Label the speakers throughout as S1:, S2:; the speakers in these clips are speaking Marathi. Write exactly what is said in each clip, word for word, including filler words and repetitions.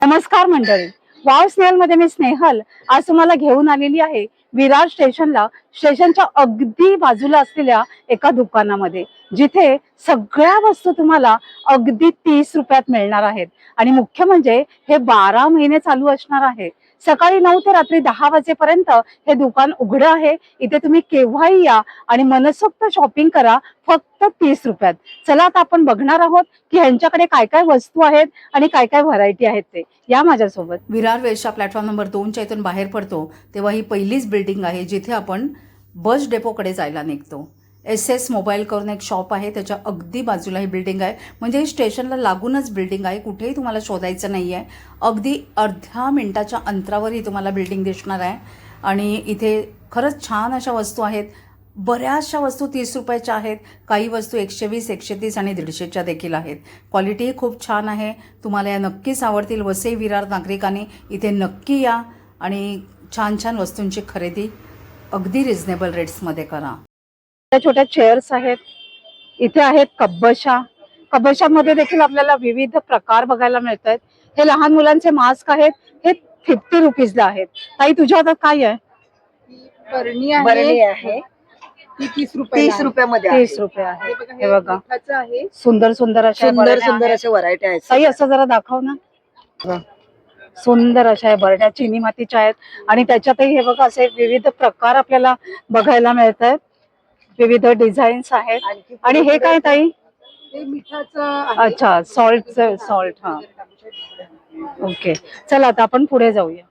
S1: नमस्कार मंडळी, वाव स्नेहल मध्ये मी स्नेहल आज तुम्हाला घेऊन आलेली आहे विरार स्टेशनला. स्टेशनच्या अगदी बाजूला असलेल्या एका दुकानामध्ये, जिथे सगळ्या वस्तू तुम्हाला अगदी तीस रुपयात मिळणार आहेत. आणि मुख्य म्हणजे हे बारा महिने चालू असणार आहे. सकाळी नऊ ते रात्री दहा वाजेपर्यंत हे दुकान उघडं आहे. इथे तुम्ही केव्हाही या आणि मनसोक्त शॉपिंग करा, फक्त तीस रुपयात. चला आता आपण बघणार आहोत की ह्यांच्याकडे काय काय वस्तू आहेत आणि काय काय व्हरायटी आहेत ते. या माझ्यासोबत.
S2: विरार वेस्टच्या प्लॅटफॉर्म नंबर दोनच्या इथून बाहेर पडतो तेव्हा ही पहिलीच बिल्डिंग आहे जिथे आपण बस डेपोकडे जायला निघतो. एस एस मोबाईल करून एक शॉप आहे, त्याच्या अगदी बाजूला ही बिल्डिंग आहे. म्हणजे स्टेशनला लागूनच बिल्डिंग आहे, कुठेही तुम्हाला शोधायचं नाही आहे. अगदी अर्ध्या मिनिटाच्या अंतरावर ही तुम्हाला बिल्डिंग दिसणार आहे. आणि इथे खरंच छान अशा वस्तू आहेत. बऱ्याचशा वस्तू तीस रुपयाच्या आहेत, काही वस्तू एकशे वीस एकशे तीस आणि दीडशेच्या देखील आहेत. क्वालिटीही खूप छान आहे. तुम्हाला या नक्कीच आवडतील. वसई विरार नागरिकांनी इथे नक्की या आणि छान छान वस्तूंची खरेदी अगदी रिझनेबल रेट्समध्ये करा.
S1: छोट्या छोट्या चेअर्स आहेत, इथे आहेत कब्बशा. कब्बशामध्ये देखील आपल्याला विविध प्रकार बघायला मिळत आहेत. हे लहान मुलांचे मास्क आहेत, हे फिफ्टी रुपीजला आहेत. ताई तुझ्या हातात काय आहे?
S3: बरणी आहे,
S4: बरणी आहे
S3: ती तीस रुपये
S4: तीस रुपयामध्ये
S1: तीस रुपये आहे. हे बघा
S3: आहे.
S1: सुंदर सुंदर अशा
S4: सुंदर
S1: बरण्या
S4: सुंदर
S1: आहेत.
S4: अशा व्हरायटी आहेत.
S1: ताई असं जरा दाखव ना. बघा, सुंदर अशा बरण्या चिनी मातीच्या आहेत आणि त्याच्यातही हे बघा असे विविध प्रकार आपल्याला बघायला मिळत आहेत. विविध डिझाईन्स आहेत. आणि हे काय ताई?
S3: हे मिठाचं आहे.
S1: अच्छा, सॉल्ट सॉल्ट हा ओके. चला आता आपण पुढे जाऊया.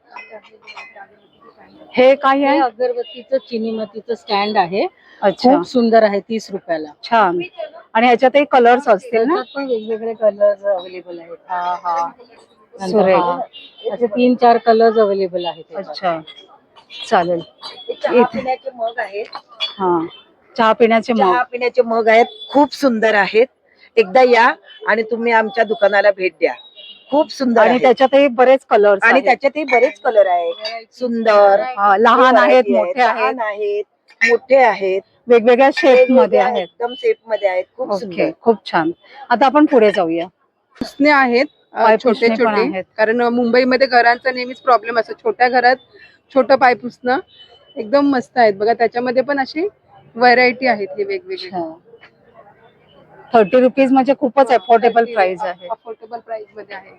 S1: हे काय
S3: हे
S1: आहे?
S3: अगरबत्तीचं चिनी मातीचं स्टँड आहे.
S1: अच्छा,
S3: खूप सुंदर आहे, तीस रुपयाला.
S1: छान. आणि ह्याच्यातही कलर्स असतील ना?
S3: त्याच्यात पण वेगवेगळे कलर्स अवेलेबल आहेत. हा हा नंतर
S1: सुरेख.
S3: हा. असे तीन चार कलर्स अवेलेबल आहेत त्याच्यात.
S1: अच्छा, चालेल.
S4: चहा पिण्याचे मग आहेत.
S1: हा, चहा पिण्याचे
S4: चहा
S1: मग.
S4: पिण्याचे मग आहेत, खूप सुंदर आहेत. एकदा या आणि तुम्ही आमच्या दुकानाला भेट द्या. खूप सुंदर
S1: आणि
S4: आहेत.
S1: त्याच्यातही बरेच कलर्स
S4: आणि त्याच्यातही बरेच कलर आहेत. सुंदर
S1: हा, लहान आहेत,
S4: variety
S1: मोठे आहेत,
S4: लहान आहेत, मोठे आहेत,
S1: वेगवेगळ्या शेप मध्ये
S4: वेगवेगळ्या
S1: आहेत.
S4: एकदम सेफ मध्ये आहेत. खूप
S1: ओके,
S4: सुंदर.
S1: खूप छान. आता आपण पुढे जाऊया.
S5: पुसणे आहेत अ,
S1: पाय
S5: छोटे
S1: पुसणे पण
S5: छोटे
S1: आहेत.
S5: कारण मुंबईमध्ये घरांचा नेहमीच प्रॉब्लेम असतो. छोट्या घरात छोटं पाय पुसणं एकदम मस्त आहेत बघा. त्याच्यामध्ये पण अशी व्हरायटी आहेत हे वेगवेगळे.
S1: थर्टी रुपीज म्हणजे खूपच अफोर्डेबल प्राइस आहे.
S5: अफोर्डेबल प्राइस मध्ये आहे.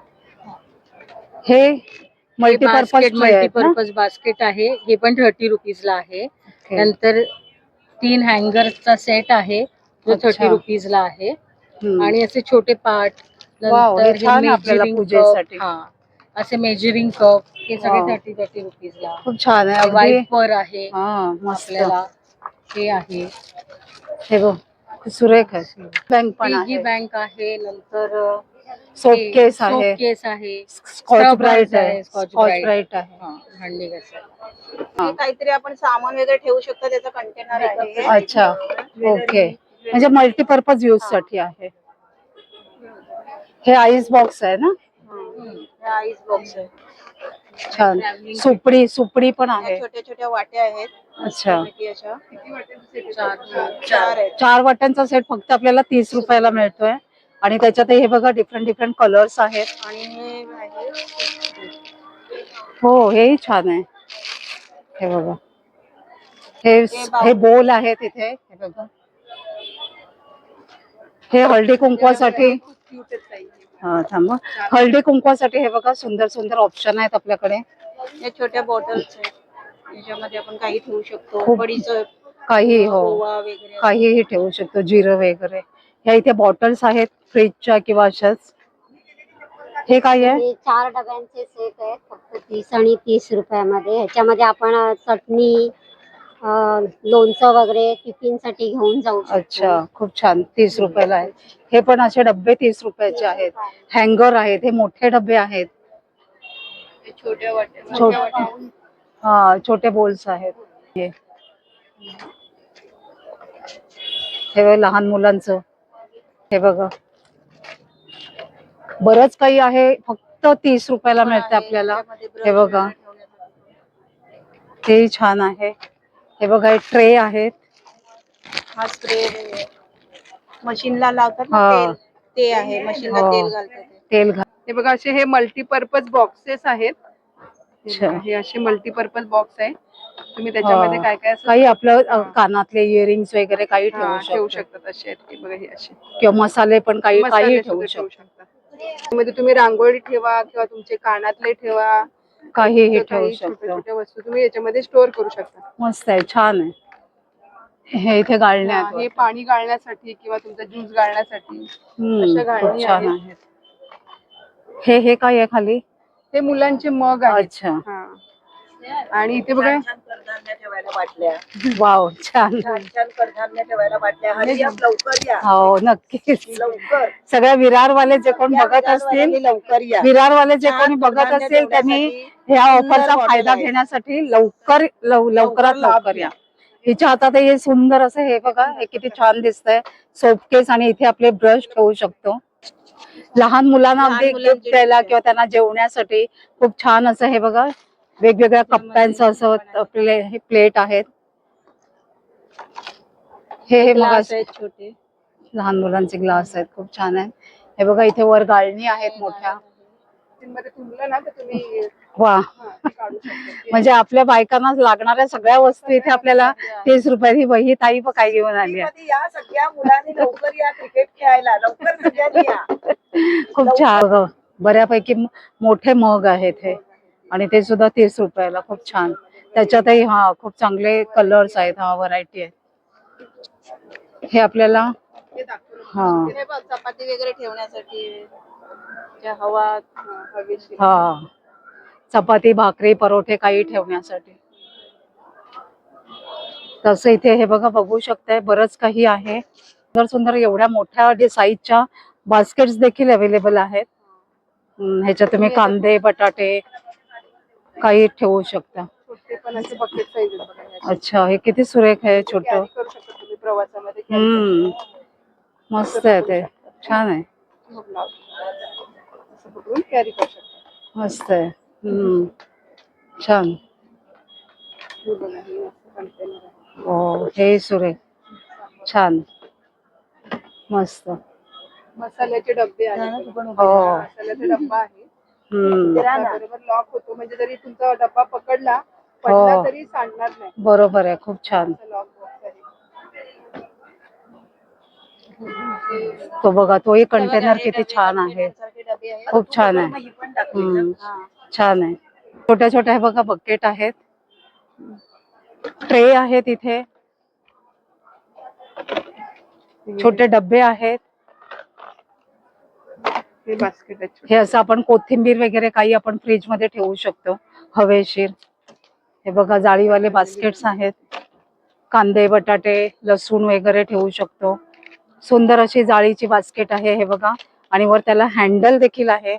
S1: हे मल्टीपर्पज
S3: मल्टीपर्पज बास्केट आहे. हे पण थर्टी रुपीजला आहे. नंतर तीन हँगरचा सेट आहे जो
S1: अच्छा.
S3: थर्टी रुपीजला आहे.
S1: आणि
S3: आणि असे छोटे पार्ट,
S1: वाव, हे
S3: नंतर
S1: छान आहे आपल्याला
S3: मेजरिंग
S1: पूजेसाठी.
S3: कप, हा असे मेजरिंग कप, हे
S1: वाव.
S3: सगळे थर्टी थर्टी रुपीजला.
S1: खूप छान आहे. अगदी
S3: वाईपर आहे
S1: हा, मस्त.
S3: आपल्याला. हे आहे
S1: हे बघ, खूप सुरेख आहे. बँक पण
S3: पिगी
S1: आहे,
S3: बँक आहे. नंतर
S1: सोप केस आहे,
S3: सोप केस आहे,
S1: स्कॉच ब्राईट आहे,
S3: आहे, स्कॉच
S1: स्कॉच
S3: ब्राईट.
S1: ब्राईट आहे.
S3: हा, भांडी घासायला.
S1: हा.
S4: काहीतरी आपण सामान वगैरे ठेवू शकतो, त्याचा कंटेनर आहे.
S1: अच्छा, ओके. म्हणजे मल्टीपर्पज यूज साठी आहे. हे आईस बॉक्स आहे ना?
S4: आईस बॉक्स आहे.
S1: छान. सुपडी सुपडी पण आहे.
S4: छोट्या छोट्या वाट्या आहेत.
S1: अच्छा,
S4: अशा
S3: चार.
S4: चार आहेत.
S1: चार वाट्यांचा सेट फक्त आपल्याला तीस रुपयाला मिळतोय. आणि त्याच्यात हे बघा डिफरंट डिफरंट कलर्स आहेत.
S4: आणि हे आहे
S1: हो, हेही छान आहे. हे बघा, हे हे बोल आहेत इथे. हे बघा, हे हळदी कुंकवासाठी. हा, थांबा. हळदी कुंकवासाठी हे बघा सुंदर सुंदर ऑप्शन आहेत आपल्याकडे.
S4: या छोट्या बॉटल्स आहेत, याच्यामध्ये आपण काही ठेवू शकतो.
S1: खूप
S4: बडीचं
S1: काही, हो,
S4: ओवा वगैरे
S1: काहीही ठेवू शकतो, जिरं वगैरे. ह्या इथे बॉटल्स आहेत फ्रीजच्या किंवा अशाच. हे काय आहे?
S6: हे चार डब्यांचे सेट आहेत, फक्त तीस आणि तीस रुपयामध्ये. ह्याच्यामध्ये आपण चटणी, अं, लोणचं वगैरे टिफिन साठी घेऊन जाऊ शकतो.
S1: अच्छा, खूप छान. तीस रुपयाला आहे. हे पण असे डब्बे तीस रुपयाचे आहेत. हँगर आहेत, हे मोठे डबे आहेत.
S4: छोट्या वाट्या
S1: छोटे, हा, छोटे बोल्स आहेत. हे हे बघा लहान मुलांचं. हे बघा बरंच काही आहे, फक्त तीस रुपयाला मिळते आपल्याला. हे बघा, ते छान आहे. हे बघा, हे ट्रे आहेत.
S4: हा स्प्रे मशीनला लावतात ना
S1: हा.
S4: तेल, ते आहे मशीनला
S1: हो.
S4: तेल घालतात ते.
S1: तेल घा
S5: हे बघा असे हे मल्टीपर्पज बॉक्सेस आहेत. हे
S1: अच्छा.
S5: बघा, हे असे मल्टीपर्पज बॉक्स आहे. तुम्ही त्याच्यामध्ये
S1: हा.
S5: काय काय असं
S1: काही आपलं अ,
S5: हा.
S1: कानातले इयरिंग्स वगैरे काही
S5: हा,
S1: ठेवू
S5: ठेवू
S1: शकतो
S5: शकतात असे आहेत. हे बघा हे असे
S1: किंवा मसाले पण काही काही
S5: मसाले
S1: ठेवू
S5: सुद्धा ठेवू
S1: शकतो.
S5: शकता. त्यामध्ये तुम्ही रांगोळी ठेवा किंवा तुमचे कानातले ठेवा,
S1: काहीही
S5: तुमचं
S1: ठेवू
S5: काही छोट्या
S1: शकतो.
S5: छोट्या वस्तू तुम्ही याच्यामध्ये स्टोअर करू शकता.
S1: मस्त आहे, छान आहे. हे इथे गाळणे
S5: हा,
S1: आहेत
S5: हे
S1: वाटतं.
S5: पाणी गाळण्यासाठी किंवा तुमचा ज्यूस गाळण्यासाठी
S1: हम्म,
S5: अशा
S1: खूप
S5: गाळणी
S1: छान
S5: आहेत.
S1: आहेत. हे हे काय आहे खाली?
S5: हे मुलांचे मग आहेत.
S1: अच्छा,
S5: हा. आणि इथे बघा
S4: छान छान कडधान्य ठेवायला बाटल्या,
S1: वाव, छान.
S4: छान छान कडधान्य ठेवायला बाटल्या. हरी या, लवकर या,
S1: हो, नक्कीच.
S4: लवकर.
S1: सगळ्या विरारवाले जे कोण
S4: या
S1: बघत असतील,
S4: विरारवाल्यांनी लवकर या.
S1: विरारवाले जे
S4: छान
S1: कोणी बघत
S4: कडधान्य
S1: असतील त्यांनी
S4: ठेवण्यासाठी
S1: ह्या
S4: सुंदर
S1: ऑफरचा
S4: बॉटल
S1: फायदा
S4: आहे.
S1: घेण्यासाठी लवकर लव- लवकरात
S4: लवकर लाभ
S1: लवकर या. हिच्या हातात हे सुंदर असं हे बघा, हे किती छान दिसतंय. सोपकेस आणि इथे आपले ब्रश ठेवू शकतो. लहान मुलांना
S4: लहान
S1: अगदी
S4: मुलांचे
S1: गिफ्ट द्यायला
S4: gift.
S1: किंवा त्यांना जेवण्यासाठी खूप छान असं हे बघा, वेगवेगळ्या कप्प्यांचं असं आपले हे प्लेट आहेत. हे हे मग
S3: ग्लास आहेत छोटे.
S1: लहान मुलांचे ग्लास आहेत, खूप छान आहे. हे बघा इथे वर गाळणी आहेत मोठ्या.
S5: मध्ये तुंबलं ना तर तुम्ही
S1: वा,
S5: हा, ते काढू शकता.
S1: म्हणजे आपल्या बायकांना लागणाऱ्या सगळ्या वस्तू इथे आपल्याला तीस रुपयाची वही ताई पण काय घेऊन आली आहे.
S4: मध्ये या सगळ्या मुलांनी लवकर या क्रिकेट खेळायला, लवकर सगळ्यांनी या.
S1: खूप छान बघा, बऱ्यापैकी म- मोठे मग आहेत हे आणि ते सुद्धा तीस रुपयाला. खूप छान. त्याच्यातही हा खूप चांगले कलर्स आहेत, हा व्हरायटी आहे. हे आपल्याला
S5: हे दाखवलं.
S1: हा
S5: हे बघ, चपाती वगैरे ठेवण्यासाठी ज्या हवा हा, हवेशीर.
S1: हा चपाती भाकरी परोठे काही ठेवण्यासाठी. तसं इथे हे बघा बघू शकताय, बरंच काही आहे. सुंदर सुंदर एवढ्या मोठ्या जे साईजच्या बास्केट्स देखील अवेलेबल आहेत. हम्म, ह्याच्यात तुम्ही कांदे बटाटे काही ठेवू शकता.
S5: छोटे पण असे बकेट साईज आहेत बघा हे असे.
S1: अच्छा, हे किती सुरेख आहे, छोट.
S5: Carry करू शकता तुम्ही प्रवासामध्ये carry
S1: हम्म, मस्त आहे ते, छान आहे,
S5: करू शकता. असं पकडून कॅरी करू शकता.
S1: मस्त आहे. हम्म, छान.
S5: हे बघा, हे असं container आहे.
S1: हो, हे सुरेख, छान, मस्त.
S5: मसाल्याचे डब्बे आहेत.
S1: हो.
S5: मसाल्याचा डब्बा आहे.
S1: हम्म,
S5: बरोबर लॉक होतो, म्हणजे जरी तुमचा डब्बा पकडला पडला
S1: हो.
S5: तरी सांडणार नाही.
S1: बरोबर आहे, खूप छान.
S5: लॉक बॉक्स आहे.
S1: तो बघा, तोही कंटेनर किती छान आहे, खूप छान आहे.
S4: ही पण टाकली.
S1: हम्म, छान आहे. छोट्या छोट्या हे बघा बकेट आहेत, ट्रे आहेत इथे, छोटे डब्बे आहेत.
S5: हे बास्केट आहे छोटे.
S1: हे असं आपण कोथिंबीर वगैरे काही आपण फ्रीज मध्ये ठेवू शकतो, हवेशीर. हे बघा जाळीवाले बास्केट्स आहेत, कांदे बटाटे लसूण वगैरे ठेवू शकतो. सुंदर अशी जाळीची बास्केट आहे हे बघा, आणि वर त्याला हँडल देखील आहे.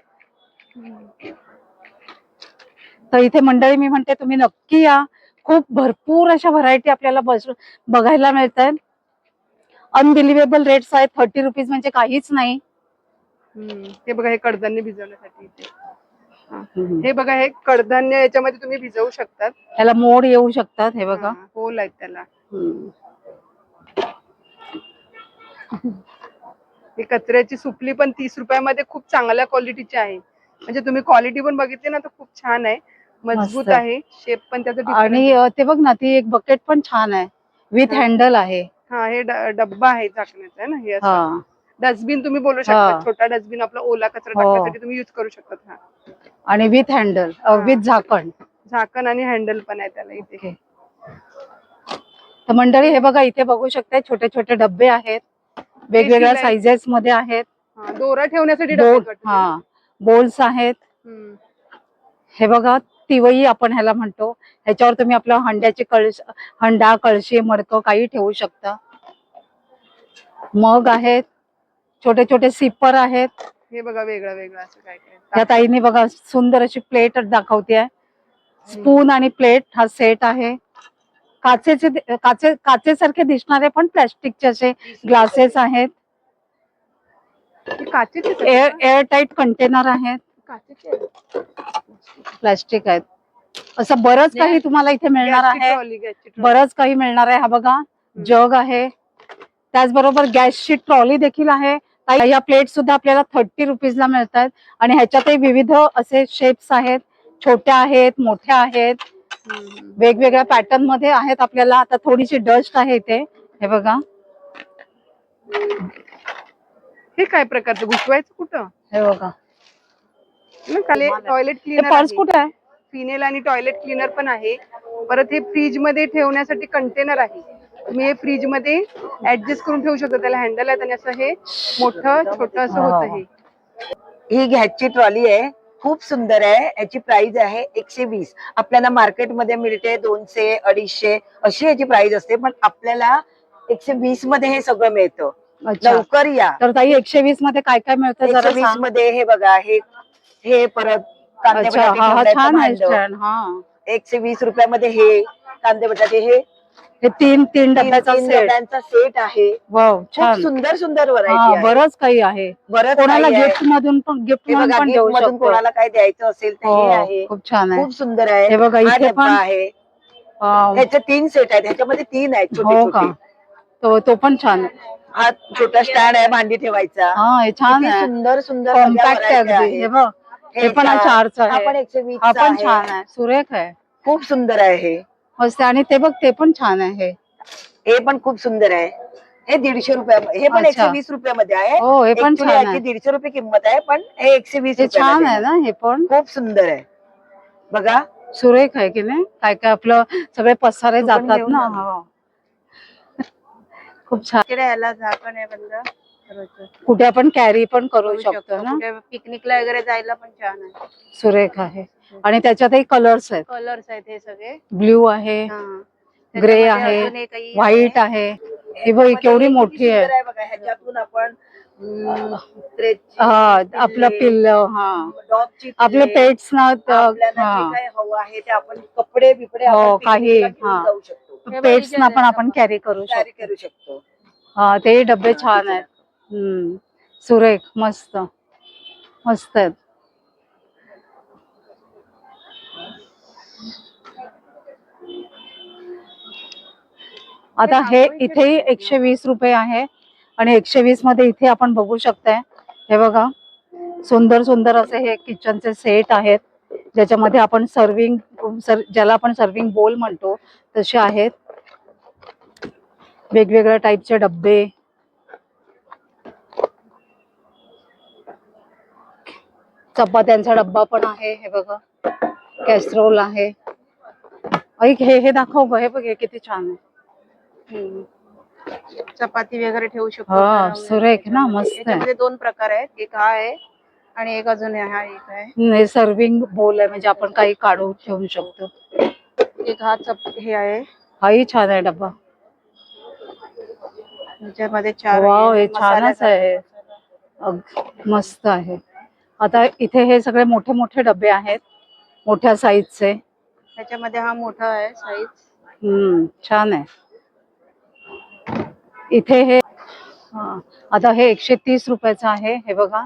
S1: तर इथे मंडळी मी म्हणते तुम्ही नक्की या. खूप भरपूर अशा व्हरायटी आपल्याला बस बघायला मिळत आहेत. अनबिलिव्हेबल रेट्स आहेत. थर्टी रुपीज म्हणजे काहीच नाही.
S5: हम्म. हे बघा, हे कडधान्य भिजवण्यासाठी इथे. हा.
S1: हम्म.
S5: हे बघा, हे कडधान्य याच्यामध्ये तुम्ही भिजवू शकतात.
S1: त्याला मोड येऊ शकतात, हे बघा.
S5: हा, होल आहेत त्याला.
S1: हम्म.
S5: ही कचऱ्याची सुपली पण तीस रुपयामध्ये खूप चांगल्या क्वालिटीची आहे. म्हणजे तुम्ही क्वालिटी पण बघितली ना तर खूप छान आहे, मजबूत
S1: मस्त.
S5: आहे. शेप पण त्याचा different
S1: आणि
S5: आहे.
S1: अ, ते बघ ना, ती एक बकेट पण छान आहे, विथ हँडल आहे.
S5: हा, हे ड- डब्बा आहे झाकण्याचा आहे ना हे असं.
S1: हा,
S5: डस्टबिन तुम्ही बोलू शकता.
S1: हा.
S5: छोटा डस्टबिन आपला ओला कचरा
S1: हो.
S5: टाकण्यासाठी तुम्ही युज करू शकता. हा,
S1: आणि विथ हँडल,
S5: हा.
S1: विथ झाकण.
S5: झाकण आणि हँडल पण आहे त्याला इथे.
S1: ओके. तर मंडळी हे बघा, इथे बघू शकता छोटे छोटे डब्बे आहेत, वेगवेगळ्या
S5: शिलाई.
S1: साइजेस मध्ये आहेत.
S5: हा, दोरा ठेवण्यासाठी डबे
S1: बोल
S5: वाटतं.
S1: हा बोल्स आहेत.
S5: हम्म.
S1: हे बघा, तिवई आपण ह्याला म्हणतो. ह्याच्यावर तुम्ही आपलं हंड्याची कळश हंडा कळशी मडकं काही ठेवू शकता. मग आहेत, छोटे छोटे सिपर आहेत.
S5: हे बघा, वेगळं वेगळं असं काय काय.
S1: या ताईने बघा सुंदर अशी प्लेट दाखवते. स्पून आणि प्लेट हा सेट आहे. काचेचे काचे काचेसारखे दिसणारे पण प्लॅस्टिकचे असे ग्लासेस आहेत.
S5: हे काचेचे आहेत
S1: एअर
S5: का?
S1: एअर टाईट कंटेनर आहेत,
S5: काचेचे आहेत.
S1: प्लॅस्टिक आहेत. असं बरंच काही तुम्हाला इथे मिळणार
S5: गॅसची
S1: आहे.
S5: ट्रॉली, गॅसची ट्रॉली.
S1: बरंच काही मिळणार आहे. हा बघा, जग आहे. त्याचबरोबर गॅसची ट्रॉली देखील आहे. काही या प्लेट सुद्धा आपल्याला थर्टी रुपीजला मिळतात आणि ह्याच्यातही विविध असे शेप्स आहेत, छोट्या आहेत, मोठ्या आहेत, वेगवेगळ्या पॅटर्न मध्ये आहेत. आपल्याला आता थोडीशी डस्ट आहे इथे, हे बघा.
S5: हे काय प्रकारचं घुसवायचं कुठं?
S1: हे बघा,
S5: टॉयलेट
S1: हे
S5: क्लीनर
S1: पर्स कुठे आहे?
S5: फिनेल आणि टॉयलेट क्लीनर पण आहे. परत हे फ्रीज मध्ये ठेवण्यासाठी कंटेनर आहे. तुम्ही हे फ्रीज मध्ये ऍडजस्ट करून ठेवू शकता. त्याला हँडल आहे आणि असं हे मोठं छोटं असं होतं. हे
S4: ही घ्याची ट्रॉली आहे, खूप सुंदर आहे. याची प्राइस आहे एकशे वीस. आपल्याला मार्केटमध्ये मिळते दोनशे अडीचशे अशी याची प्राइस असते, पण आपल्याला एकशे वीस मध्ये हे सगळं मिळतं.
S1: अच्छा,
S4: लवकर या.
S1: तर ताई एकशे वीस मध्ये काय काय मिळतं जरा
S4: एकशे वीस
S1: सांग.
S4: मध्ये हे बघा, हे हे परत कांदे
S1: अच्छा,
S4: बटाटे
S1: हा हा
S4: ठेवण्याचं
S1: छान आहे
S4: भांडं.
S1: stand, हा.
S4: एकशे वीस रुपयामध्ये हे कांदे बटाटे हे
S1: हे तीन तीन
S4: तीन
S1: डब्याचा
S4: तीन
S1: सेट.
S4: डब्यांचा सेट आहे.
S1: वाव,
S4: खूप
S1: छान.
S4: सुंदर सुंदर
S1: हा,
S4: व्हरायटी आहे.
S1: बरंच काही आहे.
S4: बरंच
S1: कोणाला
S4: काही आहे.
S1: गिफ्ट मधून पण गिफ्ट
S4: हे
S1: म्हणून
S4: बघा,
S1: पण
S4: gift
S1: देऊ
S4: मधून
S1: शकतो.
S4: कोणाला काय द्यायचं असेल तर हे
S1: हो,
S4: आहे.
S1: खूप छान आहे.
S4: खूप सुंदर आहे.
S1: हे बघा,
S4: हा
S1: इथे
S4: डब्बा
S1: पण
S4: आहे.
S1: वाव.
S4: ह्याचे तीन सेट आहेत. ह्याच्यामध्ये तीन आहेत छोटे
S1: हो का?
S4: छोटे.
S1: तो तो पण छान आहे.
S4: हा छोटा स्टँड आहे भांडी ठेवायचा.
S1: हा, हे छान
S4: किती
S1: आहे.
S4: सुंदर सुंदर सगळ्या
S1: कॉम्पॅक्ट आहे
S4: variety
S1: अगदी. हे
S4: आहेत.
S1: बघ, हे पण
S4: चार-
S1: चारच
S4: हा
S1: आहे.
S4: पण एकशे वीस
S1: हा पण छान आहे, सुरेख आहे,
S4: खूप सुंदर आहे. हे
S1: मस्त आहे. आणि ते बघ, ते पण छान आहे.
S4: हे पण खूप सुंदर आहे. हे दीडशे रुपया, हे पण
S1: अच्छा.
S4: एकशे वीस रुपयामध्ये आहे.
S1: हो, हे पण
S4: Actually
S1: छान
S4: याची
S1: आहे.
S4: दीडशे रुपये किंमत आहे, पण हे एकशे वीस
S1: हे छान
S4: रुपयामध्ये
S1: आहे ना, हे पण
S4: खूप सुंदर आहे. बघा,
S1: सुरेख आहे की नाही. काय काय आपलं सगळे पसारे
S4: तू पण
S1: जातात
S4: घेऊन
S1: ना.
S4: जा.
S1: हो, खूप छान.
S5: इकडे याला झाकण आहे बंद करायचं.
S1: कुठे आपण कॅरी पण करू
S5: करू
S1: शकतो
S5: शकतो.
S1: ना.
S5: कुठे पिकनिकला वगैरे जायला पण छान आहे.
S1: सुरेख आहे. आणि त्याच्यातही कलर्स आहेत.
S5: कलर्स आहेत हे सगळे.
S1: ब्ल्यू आहे,
S5: हा.
S1: ग्रे
S5: त्याच्यामध्ये
S1: आहे,
S5: अजून एक आहे.
S1: व्हाईट आहे. हे बघ,
S4: ह्याच्यामध्ये
S1: केवढी
S4: हे
S1: मोठी
S4: किती
S1: आहे.
S4: सुंदर आहे बघा. ह्याच्यातून आपण हम्म, stretch-
S1: हा, आपलं
S4: पिल्ले,
S1: पिल्ल, हा,
S4: dogची
S1: आपले
S4: पिल्ले,
S1: पेट्स ना. त-
S4: आपल्याला
S1: हा,
S4: जे काही हवं आहे ते आपण कपडे बिपडे
S1: हो,
S4: आपण
S1: काही,
S4: पिकनिकला घेऊन
S1: हा.
S4: जाऊ शकतो.
S5: हे
S1: पेट्स
S5: बघ,
S1: ना
S5: इथे
S1: पण
S5: आहे
S1: आपण
S5: आपण.
S1: कॅरी करू
S4: कॅरी
S1: शकतो.
S4: करू शकतो.
S1: हा, ते डबे छान आहेत. हम्म, सुरेख, मस्त मस्त आहेत. आता हे इथेही एकशे वीस रुपये आहे आणि एकशे वीस मध्ये इथे आपण बघू शकताय. हे बघा, सुंदर सुंदर असे हे किचनचे सेट आहेत, ज्याच्यामध्ये आपण सर्विंग, ज्याला आपण सर्विंग बोल म्हणतो तसे आहेत. वेगवेगळ्या टाईपचे डब्बे, चपात्यांचा डब्बा पण आहे. हे बघा, कॅसरोल आहे. ऐक, हे हे दाखव ग. हे बघ, हे किती छान आहे.
S5: हम्म. चपाती वगैरे ठेवू शकतो.
S1: हा,
S5: गरम वगैरे.
S1: सुरेख ना, मस्त आहे.
S5: याच्यामध्ये दोन प्रकार आहेत. एक हा आहे आणि एक अजून आहे. हा एक आहे.
S1: हे सर्विंग बोल आहे, म्हणजे आपण काही काढून ठेवू शकतो.
S5: एक हा चप हे आहे.
S1: हाही छान आहे डब्बा.
S5: याच्यामध्ये चार
S1: वाव, हे
S5: मसाला
S1: छानच आहे. अग- मस्त आहे. आता इथे हे सगळे मोठे मोठे डबे आहेत, मोठ्या साईजचे.
S5: त्याच्यामध्ये हा मोठा आहे साईज.
S1: हम्म, छान आहे. इथे हे हा, आता हे एकशे तीस रुपयाचं आहे. हे बघा,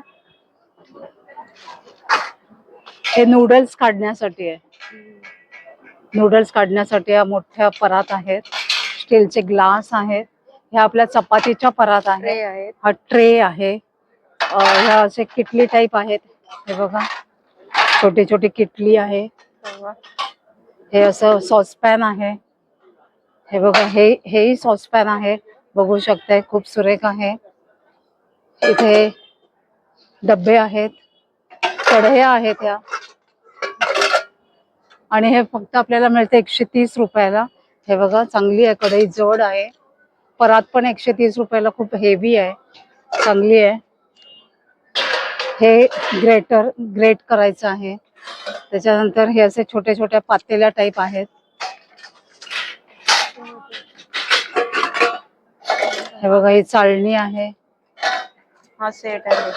S1: हे नूडल्स काढण्यासाठी आहे. नूडल्स काढण्यासाठी या मोठ्या परात आहेत. स्टीलचे ग्लास आहेत. ह्या आपल्या चपातीच्या परात
S5: ट्रे
S1: आहेत.
S5: आहेत.
S1: हा ट्रे आहे. अ, ह्या असे किटली टाईप आहेत. हे बघा, छोटी छोटी किटली आहे. हे असं सॉसपॅन आहे. हे बघा, हे हेही सॉसपॅन आहे, बघू शकताय. खूप सुरेख आहे. इथे डब्बे आहेत, कढया आहेत ह्या, आणि हे फक्त आपल्याला मिळते एकशे तीस रुपयाला. हे बघा, चांगली आहे कढई, जड आहे. परात पण एकशे तीस रुपयाला, खूप हेवी आहे, चांगली आहे. हे ग्रेटर ग्रेट करायचं आहे. त्याच्यानंतर हे असे छोटे छोट्या पातेल्या टाईप आहेत. हे बघा, ही चाळणी आहे.
S5: हा सेट आहे.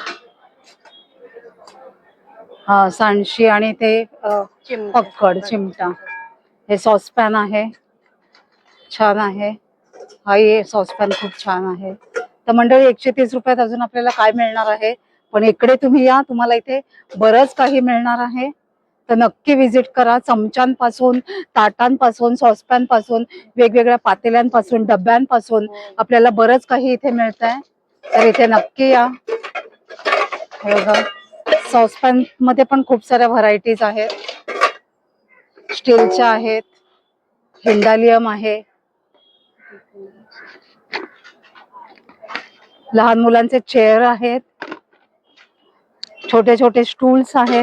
S1: हा, सांडशी आणि ते अ,
S5: चिमटा.
S1: पक्कड, चिमटा. हे सॉसपॅन आहे, छान आहे. हाही सॉसपॅन खूप छान आहे. तर मंडळी, एकशे तीस रुपयात अजून आपल्याला काय मिळणार आहे, पण इकडे तुम्ही या, तुम्हाला इथे बरंच काही मिळणार आहे. तर नक्की विजिट करा. चमच्यांपासून, ताटांपासून, सॉसपॅन पासून, वेगवेगळ्या पातेल्यांपासून, डब्यांपासून आपल्याला बरंच काही इथे मिळत आहे. तर इथे नक्की या. हे बघा, सॉसपॅन मध्ये पण खूप साऱ्या व्हरायटीज आहेत. स्टीलच्या आहेत, हिंडालियम आहे, लहान मुलांचे चेअर आहेत, छोटे छोटे स्टूल्स आहेत,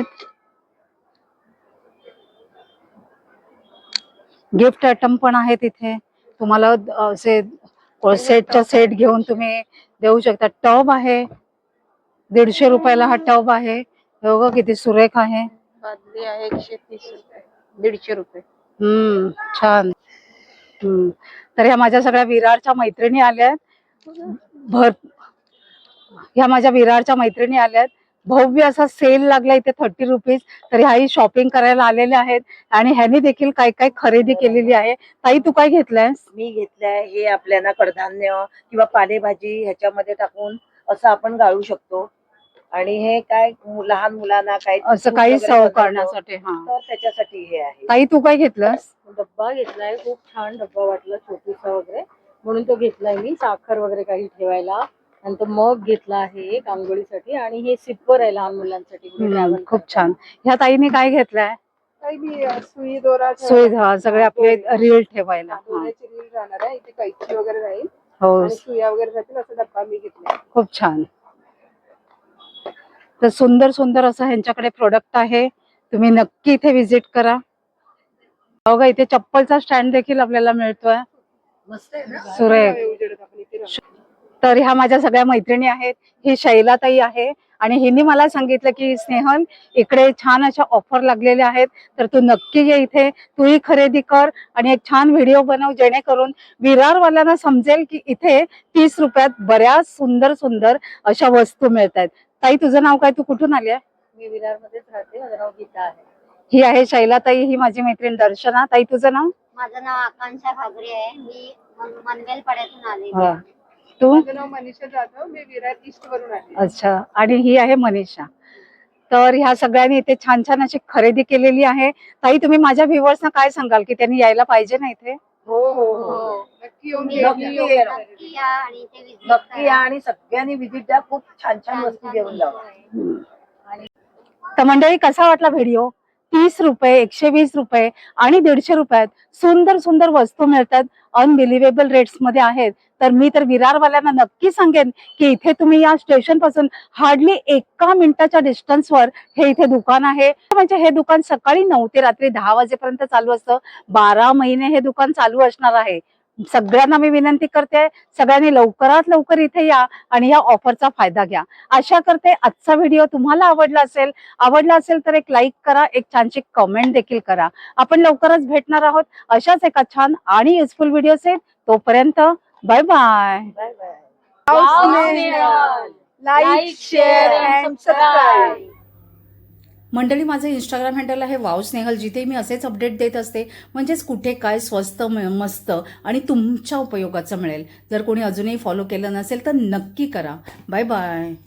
S1: गिफ्ट आयटम पण आहेत इथे. तुम्हाला असे सेटच्या सेट घेऊन तुम्ही देऊ शकता. टब आहे, दीडशे रुपयाला हा टब आहे. हे बघा किती सुरेख आहे.
S3: बादली आहे एकशे तीस रुपये, दीडशे रुपये.
S1: हम्म छान. हम्म तर ह्या माझ्या सगळ्या विरारच्या मैत्रिणी आल्यात. भर ह्या माझ्या विरारच्या मैत्रिणी आल्यात. भव्य असा सेल लागला इथे थर्टी रुपीज. तर ह्याही शॉपिंग करायला आलेल्या आहेत आणि ह्यानी देखील काय काय खरेदी केलेली आहे. ताई तू काय घेतलंयस?
S4: मी घेतलंय हे आपल्याला कडधान्य किंवा पालेभाजी ह्याच्यामध्ये टाकून असं आपण गाळू शकतो. आणि हे काय मु- लहान मुलांना काय
S1: असं
S4: दूध
S1: काही
S4: वगैरे
S1: सर्व
S4: बनवतो,
S1: करण्यासाठी. हा
S4: तर त्याच्यासाठी हे आहे.
S1: ताई तू काय घेतलंस?
S3: डब्बा घेतलाय, खूप छान डब्बा वाटला, छोटूसा वगैरे, म्हणून तो घेतलाय मी. साखर वगैरे काही ठेवायला. नंतर मग घेतला आहे एक आंघोळीसाठी, आणि हे सिप्पर आहे लहान मुलांसाठी.
S1: हम्म,
S3: ट्रॅव्हल
S1: खूप छान. ह्या ताईने काय घेतलंय?
S5: काही मी अ, सुई दोरा
S1: सुविधा सगळे आपले रील ठेवायला. हा.
S5: दोऱ्याची रील राहणार आहे. इथे कैची वगैरे राहील
S1: हो
S5: आणि सुया वगैरे राहतील, असा डब्बा मी घेतला.
S1: खूप छान. तर सुंदर सुंदर असं ह्यांच्याकडे प्रोडक्ट आहे. तुम्ही नक्की इथे विजिट करा. बघा इथे चप्पलचा स्टँड देखील आपल्याला मिळतोय.
S4: मस्त आहे ना.
S1: सुरेख.
S5: उजेडात आपण इथे राहू.
S1: तर ह्या माझ्या सगळ्या मैत्रिणी आहेत. ही शैलाताई आहे आणि हिने मला सांगितलं की स्नेहल इकडे छान अशा ऑफर लागलेल्या आहेत, तर तू नक्की ये इथे, तूही खरेदी कर आणि एक छान व्हिडिओ बनव, जेणेकरून विरारवाल्यांना समजेल की इथे तीस रुपयात बऱ्याच सुंदर सुंदर अशा वस्तू मिळत आहेत. ताई तुझं नाव काय? तू कुठून आली आहे?
S3: मी विरार मध्येच राहते, माझं नाव गीता आहे.
S1: ही आहे शैलाताई, ही माझी मैत्रीण दर्शना. ताई तुझं नाव?
S6: माझं नाव आकांक्षा घागरे आहे. मी मन- मनवेल पाड्यातून आलेली
S1: हा.
S6: आहे.
S1: तू?
S5: माझं नाव मनीषा जाधव, मी विरार ईस्ट वरून आले.
S1: अच्छा. आणि ही आहे मनीषा. तर ह्या सगळ्यांनी इथे छान छान अशी खरेदी केलेली आहे. ताई तुम्ही माझ्या व्ह्युअर्सना काय सांगाल की त्यांनी यायला पाहिजे ना इथे?
S4: हो हो हो
S3: हो.
S5: नक्की येऊन
S6: तुम्ही
S4: नक्की
S5: भेटी
S4: ये.
S5: घेऊन जा.
S6: नक्की या आणि इथे visit
S4: नक्की या
S6: करा.
S4: आणि सगळ्यांनी विजिट द्या. खूप छान छान
S6: छान
S4: वस्तू
S6: छान
S4: घेऊन
S6: वस्तू
S4: जावा.
S6: आहे.
S1: तर मंडळी कसा वाटला व्हिडिओ? तीस रुपये, एकशे वीस रुपये आणि दीडशे रुपयात सुंदर सुंदर वस्तू मिळतात. अनबिलिव्हेबल रेट्स मध्ये आहेत. तर मी तर विरारवाल्यांना नक्की सांगेन की इथे तुम्ही या स्टेशन पासून हार्डली एका मिनिटाच्या डिस्टन्सवर हे इथे दुकान आहे. म्हणजे हे दुकान सकाळी नऊ ते रात्री दहा वाजेपर्यंत चालू असतं. बारा महिने हे दुकान चालू असणार आहे. सगळ्यांना मी विनंती करते, सगळ्यांनी लवकरात लवकर इथे या आणि या ऑफरचा फायदा घ्या. आशा करते आजचा व्हिडिओ तुम्हाला आवडला असेल. आवडला असेल तर एक लाईक करा, एक छानशी कमेंट देखील करा. आपण लवकरच भेटणार आहोत अशाच एका छान आणि युजफुल व्हिडिओचे. तोपर्यंत bye bye.
S4: Bye bye.
S5: Like, share and subscribe.
S2: मंडळी माझं इंस्टाग्राम हँडल आहे वाव स्नेहल, जिथे मी असेच अपडेट देत असते. म्हणजेच कुठे काय स्वस्त म- मस्त आणि तुमच्या उपयोगाचं मिळेल. जर कोणी अजूनही फॉलो केलं नसेल तर नक्की करा. Bye bye.